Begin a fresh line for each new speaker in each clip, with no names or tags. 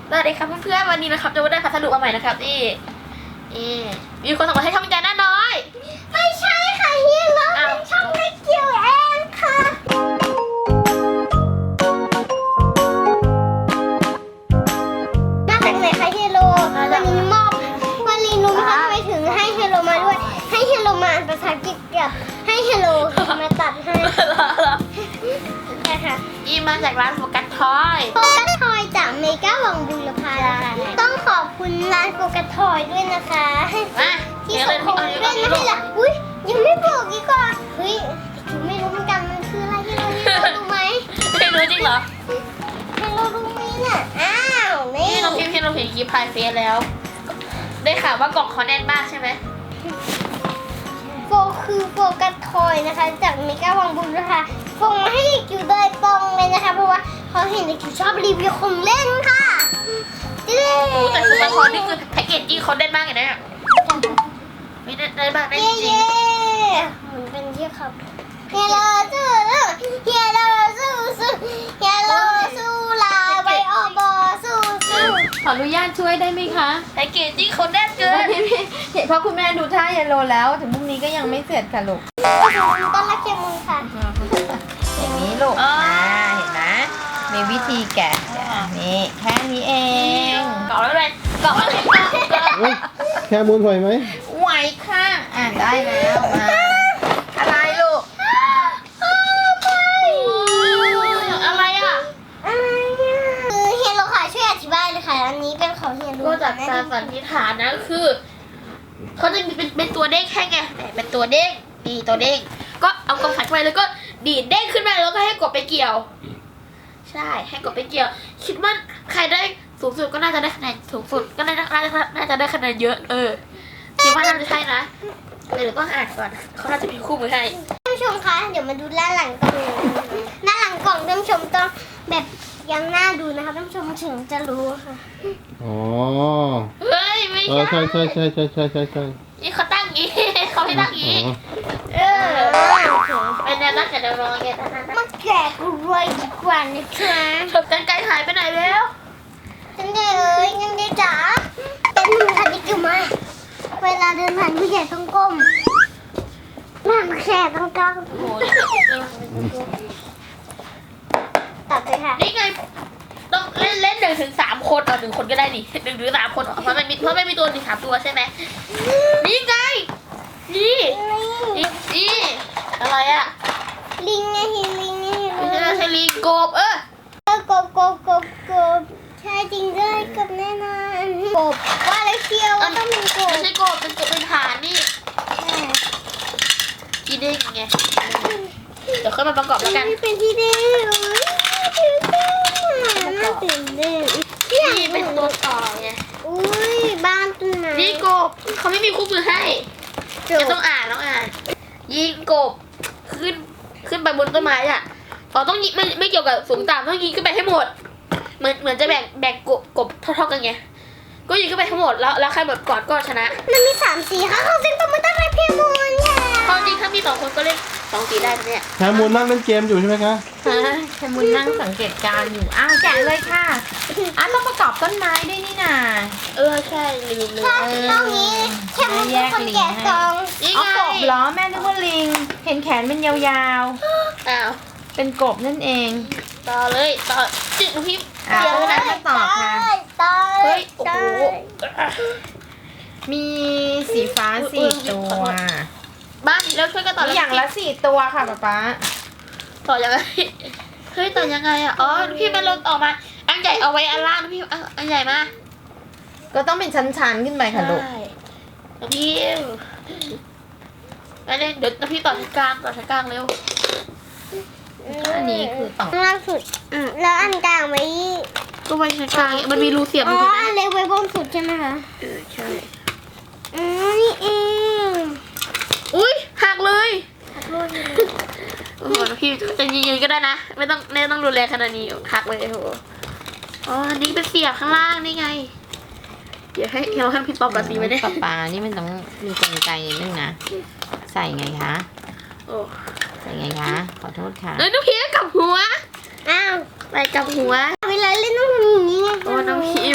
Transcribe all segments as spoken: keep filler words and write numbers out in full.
สวัสดีครับเพื่อนๆวันนี้นะครับจะมาได้พัสดุมาใหม่นะครับนี่นี่มีคนส่งมาให้ช่องแกน่าน้อย
ไม่ใช่ค่ะเฮียเราเป็นช่องเล็กเกี่ยวเองค่ะมาจากไหนคะเฮโลวันนี้มอบวันนี้นุ้งทำไปถึงให้เฮโลมาด้วยให้เฮโลมาภาษาอังกฤษกับให้เฮโลมาตัดให้ใช่ค่ะ
นี่มาจากร้านโฟกัสทอย
โฟกัสทอยจากเมกาวังบุรพาต้องขอบคุณร้านโฟกัสทอยด้วยนะคะที่ส่งของเล่นมาให้ละอุ้ยยังไม่บอกอีกอ่ะเฮ้ยถึงไม่รู้เหมือนกันมันคืออะไรที่เราที่เรารู้ไหม
ไม่รู้จริงเหรอ
ให้เรารู้ไหมเนี่ยอ้าวนี่
นี่เราพิมพ์พิมพ์เราเห็นคลิปพายเฟซแล้ว ได้ข่าวว่ากล่องเขาแน่นมากใช่ไหม
โฟคือโฟกัสทอยนะคะจากเมกาวังบุรพาส่งมาให้เด็กอยู่โดยตรงเลยนะคะเพราะว่าเขาเห็นเด็กอยู่ชอบรีวิวของเล่นค่ะเย้
แต่โฟกัสทอยนี่คือแพ็กเกจจิ้งเขาแน่นมากเลยนะไม่ได้ได้บ้างได้จริง
เหมือนเป็นที่ครับเฮลโลสู้เฮลโลสู้สู้เฮลโลสู้ลาไปออกบอสู้สู้
ขออนุญาตช่วยได้ไหมคะ
แพ็กเกจจิ้งเขาแน่นเกิน
เห็นเพราะคุณแม่ดูท่าเยลโลแล้วถึงพรุ่งนี้ก็ยังไม่เสร็จค่ะลูก
ต้นรักเคมุนค่ะ
อย่างนี้ลูก
อ๋ออ่
าเห็นไหมมีวิธีแกะนี่แค่นี้เอง
เกาะแล้วเลยเกาะแล้วเลยเกาะ
เฮ้ยแค่มูลไหวไหม
ไหวค่ะอ่ะได้แล้วมาอะไรลูก
อะไรอ่ะ
คือเฮลโลค่ะช่วยอธิบายเลยค่ะอันนี้เป็นของเฮลโล
ก็จากการสันนิษฐานนะคือเขาจะมีเป็นเป็นตัวเด้งแค่ไงเป็นตัวเด้งนี่ตัวเด้งก็เอากำใส่เข้าไปแล้วก็ดีดเด้งขึ้นมาแล้วก็ให้กดไปเกี่ยว ใช่ให้กดไปเกี่ยว คิดว่าใครได้สูงสุดก็น่าจะได้คะแนนสูงสุดก็น่าจะน่าจะได้คะแนนเยอะเออคิดว่าน่าจะใช่นะเดี๋ยวต้องอ่านก่อนเขาน่าจะมีคู่มือให้
ท่านผู้ชมคะเดี๋ยวมาดูด้านหลังกล่องด้านหลังกล่องท่านผู้ชมต้องแบบยังน่าดูนะคะท่านผู้ชมถึงจะรู้ค่ะ
อ๋อ
เฮ้ยไม่
เออ
ใช่
ใช่ใช่ใช่ใช่ใช่ใช่ใช่
นี่เขาตั้งอย่างงี้ เขาไม่ตั้งอย่าง
อ๋
งี้
อ
เออเป็นแนวตั้งแต่แนวรองไงตั้งนั้น
มาแกะกูรวยดีกว่านะคะ
จบกันไกลหายไปไหนแล้ว
จันเดเอ้ยจันเดจ๋าเป็นมือค่ะดิคิวมาเวลาเดินผ่านผู้ใหญ่ต้องก้มนั่งแค่ต้องก้ม
โอ้โห
ตัดเลยค่ะ
นี่ไงต้องเล่นเล่นหนึ่งถึงสามคนเอาหนึ่งคนก็ได้ดิหนึ่งหรือสามคนเพราะมันมีเพราะไม่มีตัวมีสามตัวใช่ไหมนี่ไงนี่นี่นี่อะไรอ่ะ
ลิงไงเห็นลิงไง
ไม่ใช่ใช่ลิงกบเออ
เออกบกบกบกบใช่จริงด้วยกบแน่นอนกบว่าแล้วเชียวว่าต้องเป็นกบ
ไม่ใช่กบเป็นกบเป็นฐานนี่กีเด้งไงเดี๋ยวค่อยมาประกอบแล้วกัน
นี่เป็นที่เด้งตื่นเต้นน่าตื่นเต้น
นี่เป็นตัวต่อไง
อุ้ยบ้านต้นไม้
นี่กบเขาไม่มีคู่มือให้
จ
จะ
บ
ต้องอ่านต้องอ่าน ยิงกบขึ้นขึ้นไปบนต้นไม้อ่ะเราต้องยิงไม่ไม่เกี่ยวกับสูงต่ำต้องยิงขึ้นไปให้หมด เหมือนเหมือนจะแบ่งแบ่งกบกบเท่าๆกันไงก็ยิงขึ้นไปทั้งหมดแล้วแล้วใครหมดก่อนก็ชนะ
มันมีสามสีค่ะเขาเซ็นตัวมันตั้งแต่เพียงมูลค่ะ
ความจริงถ้ามีสองคนก็เล่นสองสีได้นะเนี่ย
แค่มูลนั่งเล่นเกมอยู่ใช่ไหมคะ
แคมุนนั่งสังเกตการณ์อยู่อ้าวแกะเลยค่ะอ้าวต้องประกอบต้นไม้ด้วยนี่นา
เออใช่ลืมเลย
ถ้าตรงนี้แค่มันเป็นคนแกะซอง
นี่
อ๋อ
ไง
กบเหรอแม่นึกว่าลิงเห็นแขนเป็นยาว
อ้าว
ๆ เป็นกบนั่นเอง
ต่อเลยต่อจิกลูกพี่
อ่ะ
เดี๋ยว
ต้อง
นะ
มาต่อค่ะ
ตาย
เฮ้ยโอ้โห
มีสีฟ้าสี่ตัว
บ้านแล้วช่วยกันต่อ
มี
แล้ว
อย่างละสี่ตัวค่ะป๊าป๊า
ต่อยังไงเฮ้ยต่อยังไงอ่ะอ๋อลูกพี่มันลดออกมาอันใหญ่เอาไว้อันล่างลูกพี่เอาอันใหญ่มา
ก็ต้องเป็นชั้นๆขึ้นไปค่ะลูก
ใช่น้องพี่อันนี้เดี๋ยวน้องพี่ต่อชั้นกลางต่อชั้นกลางเร็ว
อันนี้คือต่อ
ข้างล่างสุดอืมแล้วอันกลางไว้
ก็ไว้ชั้นกลางมันมีรูเสียบ
อ๋
อ
อยู่
นะ
อันเล็กไว้บนสุดใช่ไหมคะ
เออใช่
อืมนี่เอง
อุ้ยหักเลยโอ้โหน้องพี่จะยืนๆก็ได้นะไม่ต้องไม่ต้องรุนแรงขนาดนี้หักเลยโอ้โหอ๋ออันนี้เป็นเสียบข้างล่างนี่ไงเดี๋ยวให้เราให้พี่ปอบกับสีไว้เนี่ย
ป๊าป๊านี่มันต้องมีกลไกนิดนึงนะ ใส่ไงคะ
โอ้
ใส่ไงคะ ขอโทษค่ะ
เอ้ยน้องพี่กลับหัว
อ้าว
ไปกลับหัว
เวลาเล่นต้องทำอย่างนี้ไง
โอ้น้องพี่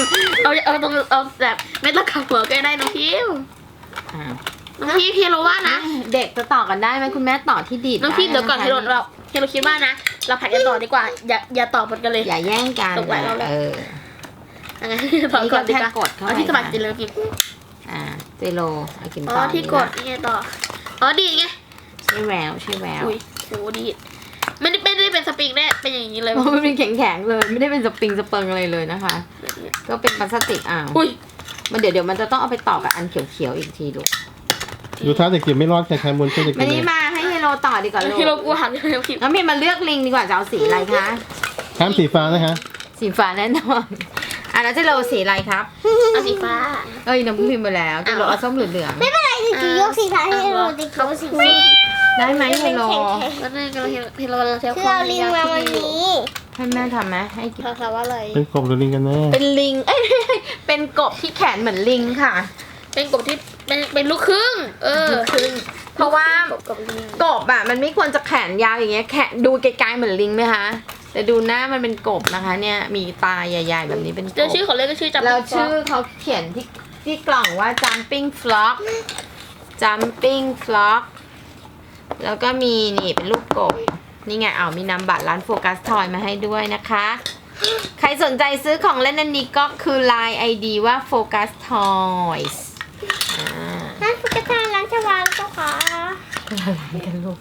เอาเอาตรงเอาแบบไม่ต้องขับหัวก็ได้น้องพิม
อ่า
น้องพิมพี่รู้ว่านะ
เด็กจะต่อกันได้ไหมคุณแม่ต่อที่ดีด
น้องพิมเดี๋ยวก่อน
ไะ
ที่เราเราที่เราคิดว่านะเราผัดกันต่อดีกว่าอย่าอย่าต่อหมดกันเลย
อย่าแย่งกัน
ตกหลายรอบแล้ว
เออ
อันนั้นต่อก่อนดีกว่า
นี่ก็แค่กดเข้าไป
เอาที่สมัครจริงเลยพิม
อ่าเจโลเอากิน
อ๋
ต่
อ
อ
ที่กดนี่ไงต่ออ๋อดีไง
ใช่แววใช่แวว
อุ้ยโหดีไม่ได้ไม่ได้เป็นสปริงแน่เป็นอย่างนี้เลย
เพราะมันเป็นแข็งๆเลย ไม่ได้เป็นสปริงสเปิงอะไรเลยนะคะ ก็เป็นพลาสติกอ้าว
อุ้ย
มันเดี๋ยวเดี๋ยวมันจะต้องเอาไปต่อกับอันเขียวๆอีกทีลูก
ดูท่าเด็กจิ๋วไม่รอดแค่แคมูลช่วยเด็ก
มา
จิ๋ว
นี่
เลย
มาให้เฮโลต่อดีกว่าลู
ที่เรา
ก
กลัวหันเลยพิม
แล้วมีมาเลือกลิงดีกว่าจะเอาสีอะไรคะ
ห้ามสีฟ้านะคะ
สีฟ้าแน่นอนอ่ะแล้วเจโลสีอะไรครับ
เอาสีฟ้า
เอ้ยน้ำพิมพ์ไปแล้วเจโลเอาส้มเหลือง
ไม่เป็นไรเด็กจิ๋วยกสีฟ้าให้เราเด็กจิ๋วสีฟ้า
ๆได้ไหมเฮโล
แล้วนี่ก็เราเห็นเราเราเท
คือเราลิงมาวันนี้
ให้แม่ทำไหมให้กิน
ภาษาว่าอะไร
เป็นกบหรือลิงกันแน่
เป็นลิง เอ้ย เป็นกบที่แขนเหมือนลิงค่ะ
เป็นกบที่เป็นเป็นลูกครึ่ง เออ
ครึ่งเพราะว่า
กบกับลิง
กบอะมันไม่ควรจะแขนยาวอย่างเงี้ยแขนดูไกลๆเหมือนลิงไหมคะแต่ดูหน้ามันเป็นกบนะคะ เนี่ยมีตาใหญ่ ๆ แบบนี้เป็นก
เจอบ ชื่อของเล่นก็ชื่อจำ
แล้วชื่อเขาเขียนที่ที่กล่องว่า jumping frog jumping frog แล้วก็มีนี่เป็นลูกกบนี่ไงเอามีนามบัตรร้านโฟกัสทอยมาให้ด้วยนะคะ ใครสนใจซื้อของเล่นอันนี้ก็คือ ไลน์ ไอ ดี ว่า Focus Toys อ่า
ร้านฟุกตาร้านชวาเจ้าค่ะ
อะไรกันลูก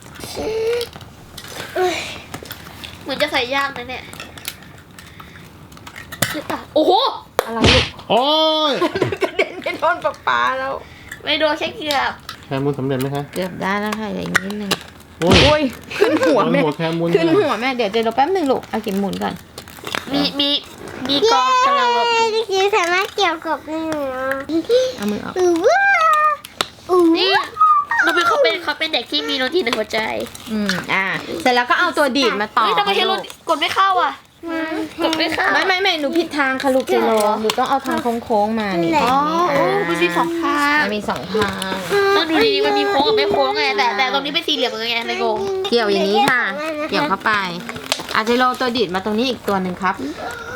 เหมือนจะใส่ยากนะเนี่ยคือตาโอ้โห
อะไรลูก
โอ้ย
กระเด็นไปโดนป๊าป๊าแล้ว
ไม่โดนแค่เกือบ
แคมูลสำเร็จไหมคะ
เกือบได้แล้วค่ะเหลืออีกนิดนึง
โอ้ย
อุ้ยขึ้นหัวแม่
หัวแคมูล
ขึ้นหัวแม่เดี๋ยวเดี๋ยวเราแป๊บนึงลูกเอากินหมุนก่อน
มีมีมีกองกำลังรบ
เด็กจิ๋วสามารถเกี่ยวกับได้หนู
เอามือออก
อือว้าอือ
นี่เราเป็นเขาเป็นเขาเป็นเด็กที่มีโนตีในหัวใจ
อืมอ่าเสร็จแล้วก็เอาตัวดีดมาต่อ
เฮ้ยทำไมเฮโร
ค่ะลูก
กดไม่เข้าอ่ะกดไม่เข้า
ไม่ไม่ไม่หนูผิดทางค่ะลูกเจโรหนูต้องเอาทางโค้งๆมานี่
อ๋อโอ้
า
มันมีสองข้าง
มันมีสองทาง
ต้องดูดีๆมันมีโค้งกับไม่โค้งไงแต่แต่ตรงนี้เป็นสี่เหลี่ยมไงเลยงง
เกี่ยวอย่างนี้ค่ะ เกี่ยวเข้าไปอาเจโรตัวดีดมาตรงนี้อีกตัวหนึ่งครับ